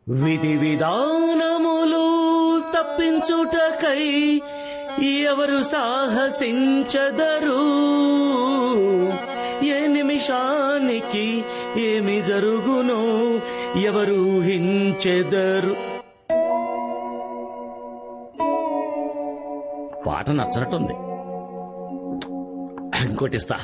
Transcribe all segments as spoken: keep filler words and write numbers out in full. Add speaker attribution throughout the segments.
Speaker 1: విధి విధానములు తప్పించుటకై ఎవరు సాహసించదరు, ఏ నిమిషానికి ఏమి జరుగునో ఎవరు ఊహించెదరు. పాట నచ్చనట్టుంది, ఇంకోటిస్తా.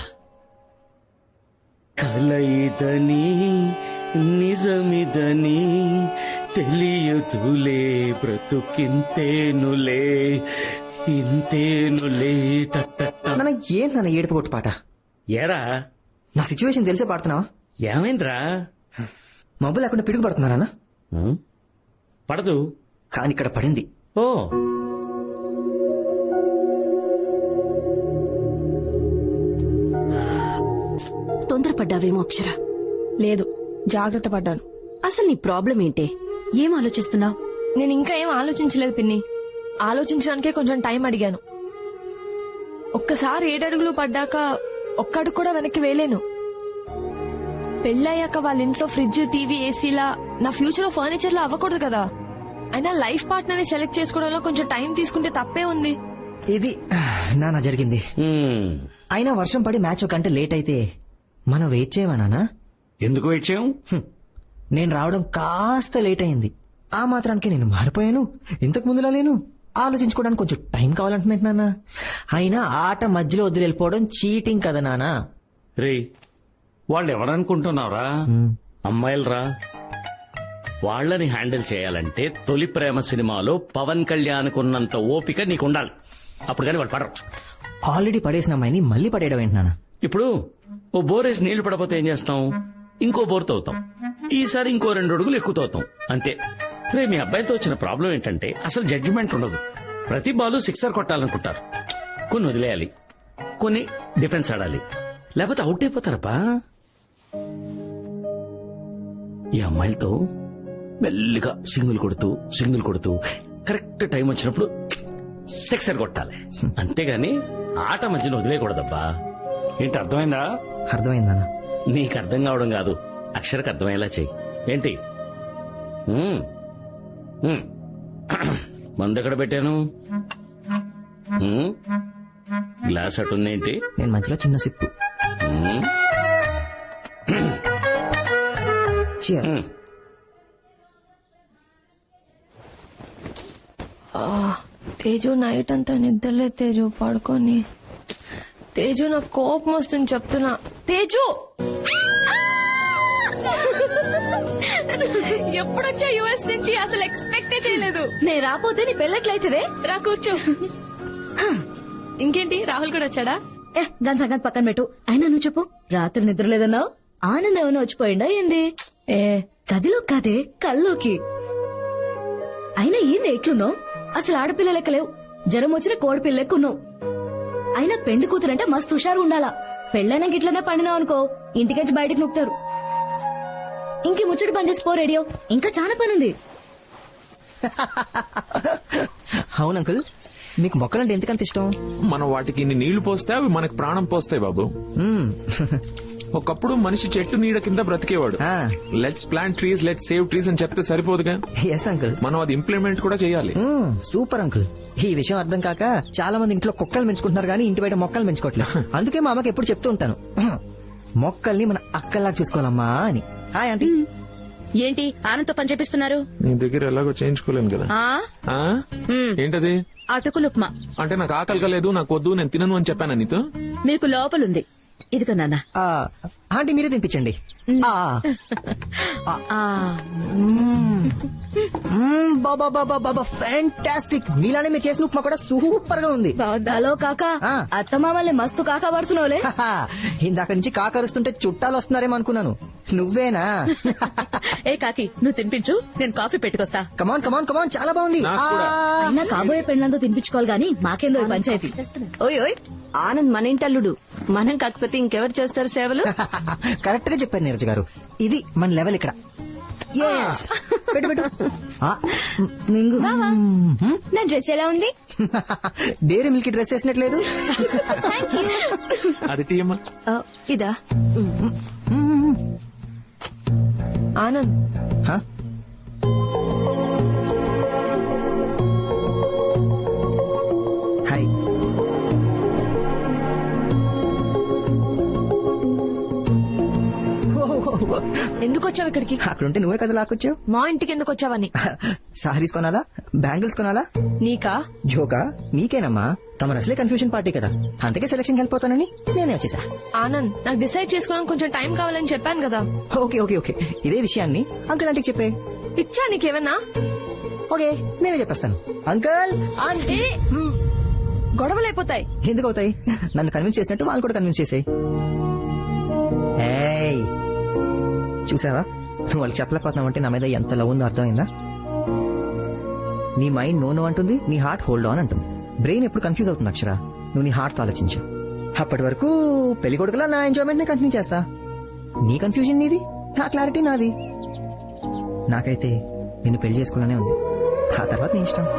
Speaker 1: కలయిదని నిజమిదని తెలియదులే, బ్రతుకింతేనులే ఇంతేనులే.
Speaker 2: నన్న ఏంటి నన్న ఏడుపు కొట్టు పాట?
Speaker 1: ఏరా
Speaker 2: నా సిచ్యువేషన్ తెలిసే పాడుతున్నావా?
Speaker 1: ఏమైందిరా?
Speaker 2: మబ్బు లేకుండా పిడుగు పడుతున్నానా?
Speaker 1: పడదు,
Speaker 2: కానీ ఇక్కడ పడింది.
Speaker 1: ఓ
Speaker 3: తొందరపడ్డావేమో అక్షర.
Speaker 4: లేదు, జాగ్రత్త పడ్డాను.
Speaker 3: అసలు నీ ప్రాబ్లం ఏంటే? ఏం ఆలోచిస్తున్నావు?
Speaker 4: నేను ఇంకా ఏం ఆలోచించలేదు పిన్ని. ఆలోచించడానికే కొంచెం టైం అడిగాను. ఒక్కసారి ఏడడుగులు పడ్డాక ఒక్కడుగు కూడా వెనక్కి వేలేను. పెళ్ళయ్యాక వాళ్ళ ఇంట్లో ఫ్రిడ్జ్, టీవీ, ఏసీలా నా ఫ్యూచర్ లో ఫర్నిచర్ లా అవ్వకూడదు కదా. అయినా లైఫ్ పార్ట్నర్ ని సెలెక్ట్ చేసుకోవడంలో కొంచెం టైం తీసుకుంటే తప్పే ఉంది.
Speaker 2: ఇది నాన్న జరిగింది. అయినా వర్షం పడి మ్యాచ్ ఒక గంట లేట్ అయితే మనం వెయిట్ చేయవా నాన్న?
Speaker 1: ఎందుకు వెయిట్ చేయం?
Speaker 2: నేను రావడం కాస్త లేట్ అయింది, ఆ మాత్రానికి నేను మారిపోయాను. ఇంతకు ముందులా లేను. ఆలోచించుకోవడానికి కొంచెం టైం కావాలంటున్నాను నాన్న. అయినా ఆట మధ్యలో వదిలి వెళ్ళిపోవడం చీటింగ్ కదా నాన్న.
Speaker 1: రే, వాళ్ళు ఎవరనుకుంటున్నావురా? అమ్మాయిలరా. వాళ్ళని హ్యాండిల్ చేయాలంటే తొలి ప్రేమ సినిమాలో పవన్ కళ్యాణ్ కున్నంత ఓపిక నీకుండాలి. అప్పుడు కానీ వాళ్ళు పడరు.
Speaker 2: ఆల్రెడీ పడేసిన అమ్మాయిని మళ్ళీ పడేయడం ఏంటి నాన్న?
Speaker 1: ఇప్పుడు ఓ బోరేసి నీళ్లు పడపోతే ఏం చేస్తాం? ఇంకో బోర్ తవ్వుతాం. ఈసారి ఇంకో రెండు అడుగులు ఎక్కువ తవ్వుతాం, అంతే. రే, మీ అబ్బాయితో వచ్చిన ప్రాబ్లం ఏంటంటే అసలు జడ్జిమెంట్ ఉండదు. ప్రతి బాలు సిక్సర్ కొట్టాలనుకుంటారు. కొన్ని వదిలేయాలి, కొన్ని డిఫెన్స్ ఆడాలి, లేకపోతే అవుట్ అయిపోతారప్పా. ఈ అమ్మాయిలతో మెల్లిగా సింగిల్ కొడుతూ సింగిల్ కొడుతూ కరెక్ట్ టైం వచ్చినప్పుడు సిక్సర్ కొట్టాలి, అంతేగాని ఆట మధ్యలో వదిలేయకూడదబ్బా. ఏంటి, అర్థమైందా?
Speaker 2: అర్థమైందన్నా.
Speaker 1: నీకు అర్థం కావడం కాదు, అక్షరకు అర్థమయ్యేలా చెయ్యి. ఏంటి? మందు ఎక్కడ పెట్టాను? గ్లాస్ అటుందేంటి?
Speaker 2: నేను మధ్యలో చిన్న సిప్పు. Cheers.
Speaker 4: తేజు నైట్ అంతా నిద్రలే తేజు, పడుకొని. తేజు నాకు కోపం వస్తుంది చెప్తున్నా. తేజు ఎప్పుడొచ్చా యుఎస్ నుంచి? అసలు ఎక్స్పెక్టే చేయలేదు.
Speaker 3: నేను రాపోతే నీ పెళ్ళట్లయితేదే.
Speaker 4: రా కూర్చో. ఇంకేంటి, రాహుల్ కూడా వచ్చాడా?
Speaker 3: ఏ దాని సంగతి పక్కన పెట్టు. అయినా నువ్వు చెప్పు, రాత్రి నిద్ర లేదన్నావు. ఆనందం ఏమైనా వచ్చిపోయిందా ఏంది?
Speaker 4: ఏ
Speaker 3: గదిలో కాదే, కల్లోకి. అయినా ఏంది ఎట్లున్నావు? అసలు ఆడపిల్ల లెక్కలేవు. జ్వరం వచ్చిన కోడి పిల్ల లెక్కున్నావు. అయినా పెండి కూతురంటే మస్తు హుషారు ఉండాలా. పెళ్ళైనా గిట్లనే పండినావు అనుకో, ఇంటికెచ్చి బయటకు నొక్కుతారు. ఇంకే ముచ్చటి పని చేసి పో రేడియో, ఇంకా చాలా పనుంది.
Speaker 2: అవును అంకుల్, మీకు మొక్కలంటే ఎందుకంత ఇష్టం?
Speaker 5: మనం వాటికి ఇన్ని నీళ్లు పోస్తే అవి మనకు ప్రాణం పోస్తాయి బాబు. ఒకప్పుడు మనిషి చెట్టు నీడ కింద బ్రతికేవాడు. Let's plant trees, let's save trees అని చెప్తే సరిపోదుగా.
Speaker 2: ఎస్ అంకుల్,
Speaker 5: మనం అది ఇంప్లిమెంట్ కూడా చేయాలి.
Speaker 2: Super uncle. ఈ విషయం అర్థం కాక చాలా మంది ఇంట్లో కుక్కలు పెంచుకుంటున్నారు కానీ ఇంటి బయట మొక్కలు పెంచుకోవట్లేదు. అందుకే మా అమ్మకి ఎప్పుడు చెప్తూ ఉంటాను, మొక్కల్ని మన అక్కల్లాగా చూసుకోవాలమ్మా అని. Hi aunty.
Speaker 3: ఏంటి ఆనంతో పని చేపిస్తున్నారు?
Speaker 5: నీ దగ్గర ఎలాగో చేయించుకోలేను కదా. ఆ? ఏంటది?
Speaker 3: అటుకులు ఉప్మా.
Speaker 5: అంటే నాకు ఆకలి కలేదు, నాకు వద్దు, నేను తినను అని చెప్పాను నీతో.
Speaker 3: మీకు లోపలుంది, ఇదిగో నాన్న.
Speaker 2: ఆంటీ మీరే తినిపించండి. ఫ్యాంటాస్టిక్. మీలానే మీరు చేసిన ఉప్మా కూడా సూపర్ గా ఉంది.
Speaker 3: హలో కాకా, అత్తమామల్ని మస్తు కాకా పడుతున్నావులే.
Speaker 2: ఇందాక నుంచి కాకరుస్తుంటే చుట్టాలు వస్తున్నారేమో అనుకున్నాను. నువ్వేనా?
Speaker 3: ఏ కాకి, నువ్వు తినిపించు, నేను కాఫీ పెట్టుకొస్తా.
Speaker 2: కమాన్ కమాన్ కమాన్, చాలా బాగుంది.
Speaker 3: అయినా కాబోయే పెళ్ళంతో తినిపించుకోవాలి గానీ మాకేందో పంచాయతీ. ఓయ్ ఓయ్, ఆనంద్ మన ఇంటల్లుడు, మనం కాకపోతే ఇంకెవరు చేస్తారు సేవలు?
Speaker 2: కరెక్ట్ గా చెప్పారు నీరజ్ గారు, ఇది మన లెవెల్ ఇక్కడ. పెట్టు పెట్టు.
Speaker 3: మింగు.
Speaker 4: నా డ్రెస్ ఎలా ఉంది?
Speaker 2: డైరీ మిల్క్ డ్రెస్ వేసినట్లేదు.
Speaker 5: అది టీయమ్మా.
Speaker 3: ఇదా
Speaker 4: ఆనంద్, ఎందుకు వచ్చావు ఇక్కడికి?
Speaker 2: అక్కడుంటే నువ్వే కదా లాక్కొచ్చావు.
Speaker 4: మా ఇంటికి ఎందుకు వచ్చావని.
Speaker 2: సారీస్ కొనాలా, బ్యాంగిల్స్ కొనాలా?
Speaker 4: నీకా?
Speaker 2: జోకా? నీకేనమ్మా. తమ అసలే కన్ఫ్యూజన్ పార్టీ కదా, అందుకే సెలక్షన్ వెళ్ళిపోతానని నేనే వచ్చేసా.
Speaker 4: ఆనంద్, నాకు డిసైడ్ చేసుకోవడానికి కొంచెం టైం కావాలని చెప్పాను కదా.
Speaker 2: ఓకే ఓకే ఓకే ఇదే విషయాన్ని అంకుల్ ఆంటీకి చెప్పే.
Speaker 4: పిచ్చా నీకేమన్నా?
Speaker 2: ఓకే నేనే చెప్పేస్తాను. Uncle aunty.
Speaker 4: ఏ, గొడవలు అయిపోతాయి.
Speaker 2: ఎందుకు అవుతాయి? నన్ను కన్విన్స్ చేసినట్టు వాళ్ళు కూడా కన్విన్స్ చేసాయి. చూసావా, నువ్వు వాళ్ళకి చెప్పలేకపోతున్నావు అంటే నా మీద ఎంత లవ్ ఉందో అర్థమైందా? నీ మైండ్ నో నో అంటుంది, నీ హార్ట్ హోల్డ్ ఆన్ అంటుంది. బ్రెయిన్ ఎప్పుడు కన్ఫ్యూజ్ అవుతుంది అక్షర. నువ్వు నీ హార్ట్ తో ఆలోచించు. అప్పటి వరకు పెళ్లి కొడుకులా నా ఎంజాయ్మెంట్ ని కంటిన్యూ చేస్తా. నీ కన్ఫ్యూజన్ నీది, నా క్లారిటీ నాది. నాకైతే నిన్ను పెళ్లి చేసుకోవాలనే ఉంది. ఆ తర్వాత నీ ఇష్టం.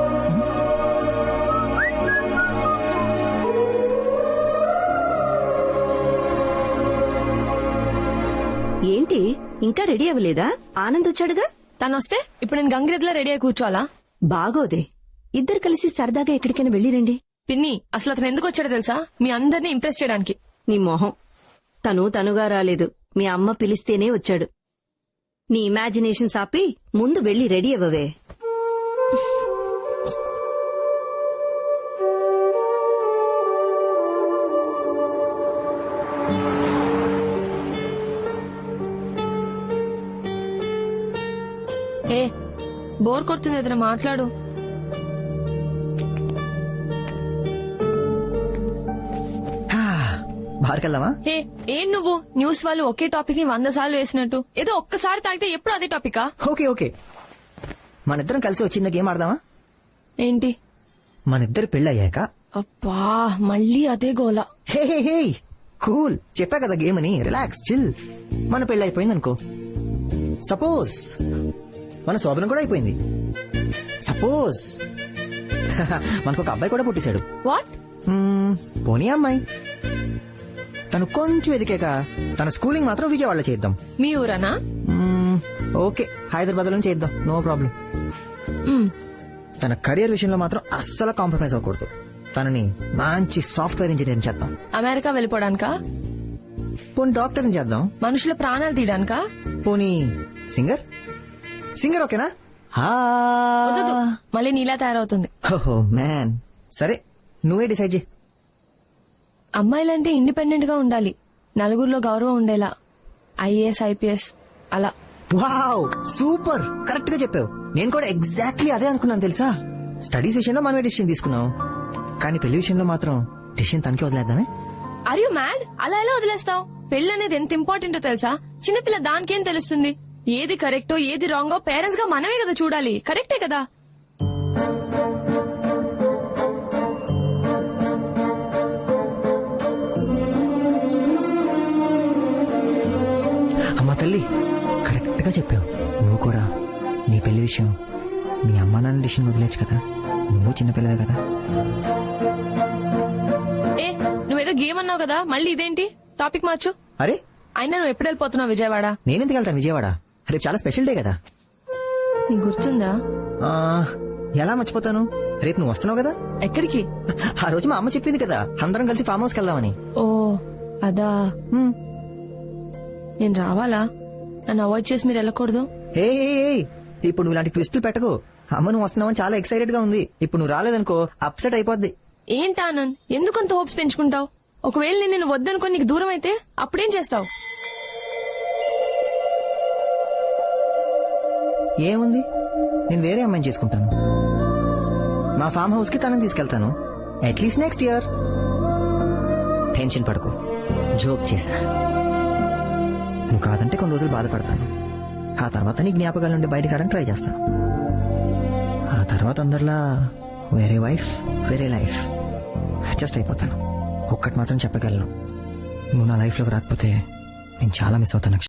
Speaker 6: ఏంటి ఇంకా రెడీ అవ్వలేదా? ఆనంద్ వచ్చాడుగా.
Speaker 4: తను వస్తే ఇప్పుడు నేను గంగిరెద్దులా రెడీ అయి కూర్చోవాలా?
Speaker 6: బాగోదే, ఇద్దరు కలిసి సరదాగా ఎక్కడికైనా వెళ్ళిరండి.
Speaker 4: పిన్ని, అసలు అతను ఎందుకు వచ్చాడో తెలుసా? మీ అందరినీ ఇంప్రెస్ చేయడానికి.
Speaker 6: నీ మొహం. తను తనుగా రాలేదు, మీ అమ్మ పిలిస్తేనే వచ్చాడు. నీ ఇమాజినేషన్ ఆపి ముందు వెళ్లి రెడీ అవ్వవే.
Speaker 4: ఏ, బోర్ కొడుతుంది, ఏదైనా మాట్లాడు.
Speaker 2: బార్కెళ్దామా?
Speaker 4: ఏ, ఏం నువ్వు న్యూస్ వాళ్ళు ఒకే టాపిక్ ని వంద సార్లు వేసినట్టు ఏదో ఒక్కసారి తాగితే ఎప్పుడు అదే టాపికా?
Speaker 2: ఓకే ఓకే మన ఇద్దరం కలిసి వచ్చిన గేమ్ ఆడదామా?
Speaker 4: ఏంటి?
Speaker 2: మన ఇద్దరు పెళ్ళయ్యాక.
Speaker 4: అబ్బా, మళ్ళీ అదే గోలా.
Speaker 2: హే హే హే కూల్, చెప్పా కదా గేమ్ అని. Relax, chill. మన పెళ్ళి అయిపోయింది అనుకో. సపోజ్ మన శోభనం కూడా అయిపోయింది. సపోజ్ మనకు ఒక అబ్బాయి కూడా పుట్టేశాడు.
Speaker 4: వాట్?
Speaker 2: మ్మ్, పోనీ అమ్మాయి. తను కొంచెం ఎదికాక తన స్కూలింగ్ మాత్రం విజయవాడలో చేద్దాం.
Speaker 4: మీ ఊరనా?
Speaker 2: మ్మ్, ఓకే హైదరాబాద్ లో చేద్దాం, నో ప్రాబ్లం.
Speaker 4: మ్,
Speaker 2: తన కెరియర్ విషయంలో మాత్రం అస్సలు కాంప్రమైజ్ అవ్వకూడదు. తనని మంచి సాఫ్ట్వేర్ ఇంజనీర్ చేద్దాం.
Speaker 4: అమెరికా వెళ్ళిపోవడానికా?
Speaker 2: పోనీ డాక్టర్ చేద్దాం.
Speaker 4: మనుషుల ప్రాణాలు తీయడానికా?
Speaker 2: పోనీ సింగర్. సింగర్ ఓకేనా?
Speaker 4: వద్దు, మళ్ళీ నీలా తయారవుతుంది.
Speaker 2: ఓహో మ్యాన్, సరే నువ్వే డిసైడ్ చేయి.
Speaker 4: అమ్మాయిలంటే ఇండిపెండెంట్ గా ఉండాలి, నలుగురిలో గౌరవం ఉండేలా. ఐఏఎస్, ఐపీఎస్ అలా.
Speaker 2: వావ్, సూపర్, కరెక్ట్ గా చెప్పావు. నేను కూడా ఎగ్జాక్ట్లీ అదే అనుకున్నాను తెలుసా. స్టడీస్ విషయంలో మనమే డిసిషన్ తీసుకున్నాం, కానీ పెళ్లి విషయంలో మాత్రం డిసిషన్ తనకే వదిలేద్దామే.
Speaker 4: Are you mad? అలా ఎలా వదిలేస్తావు? పెళ్లి అనేది ఎంత ఇంపార్టెంటో తెలుసా? చిన్నపిల్ల దానికేం తెలుస్తుంది? ఏది కరెక్టో ఏది రాంగో పేరెంట్స్ గా మనమే కదా చూడాలి. కరెక్టే కదా?
Speaker 2: అమ్మా తల్లి, కరెక్ట్ గా చెప్పావు. నువ్వు కూడా నీ పెళ్లి విషయం మీ అమ్మా నాన్న డిసిషన్ వదిలేచ్చు కదా. నువ్వు చిన్నపిల్లవే కదా.
Speaker 4: ఏ, నువ్వేదో గేమ్ అన్నావు కదా, మళ్ళీ ఇదేంటి? టాపిక్ మార్చు.
Speaker 2: అరే,
Speaker 4: అయినా నువ్వు ఎప్పుడు వెళ్ళిపోతున్నావు విజయవాడ?
Speaker 2: నేనెందుకు వెళ్తాను విజయవాడ? రేపు చాలా స్పెషల్ డే కదా.
Speaker 4: నీకు గుర్తుందా?
Speaker 2: ఆ, ఎలా మర్చిపోతాను? రేపు నువ్వు వస్తున్నావు కదా.
Speaker 4: ఎక్కడికి?
Speaker 2: ఆ రోజు మా అమ్మ చెప్పింది కదా, అందరం కలిసి ఫామ్ హౌస్కి వెళ్దామని.
Speaker 4: ఓ అదా.
Speaker 2: హ్మ్.
Speaker 4: నేను రావాలా? నన్ను అవాయిడ్ చేసి మీరు వెళ్ళకూడదు.
Speaker 2: ఏ ఇప్పుడు నువ్వు ఇలాంటి ట్విస్టులు పెట్టకు. అమ్మ నువ్వు వస్తున్నావని చాలా ఎక్సైటెడ్ గా ఉంది. ఇప్పుడు నువ్వు రాలేదనుకో అప్సెట్ అయిపోద్ది.
Speaker 4: ఏంటి ఆనంద్, ఎందుకంత హోప్స్ పెంచుకుంటావు? ఒకవేళ నేను నిన్ను వద్దనుకొని నీకు దూరం అయితే అప్పుడేం చేస్తావు?
Speaker 2: ఏముంది, నేను వేరే అమ్మాయిని చేసుకుంటాను. మా ఫామ్ హౌస్ కి తనని తీసుకెళ్తాను. At least next year. టెన్షన్ పడకు, జోక్ చేశా. నువ్వు కాదంటే కొన్ని రోజులు బాధపడతాను. ఆ తర్వాత నీ జ్ఞాపకాల నుండి బయటకు రావడానికి ట్రై చేస్తాను. ఆ తర్వాత అందరిలా వేరే వైఫ్ వేరే లైఫ్ అడ్జస్ట్ అయిపోతాను. ఒక్కటి మాత్రం చెప్పగలను, నువ్వు నా లైఫ్ లోకి రాకపోతే నేను చాలా మిస్ అవుతాను.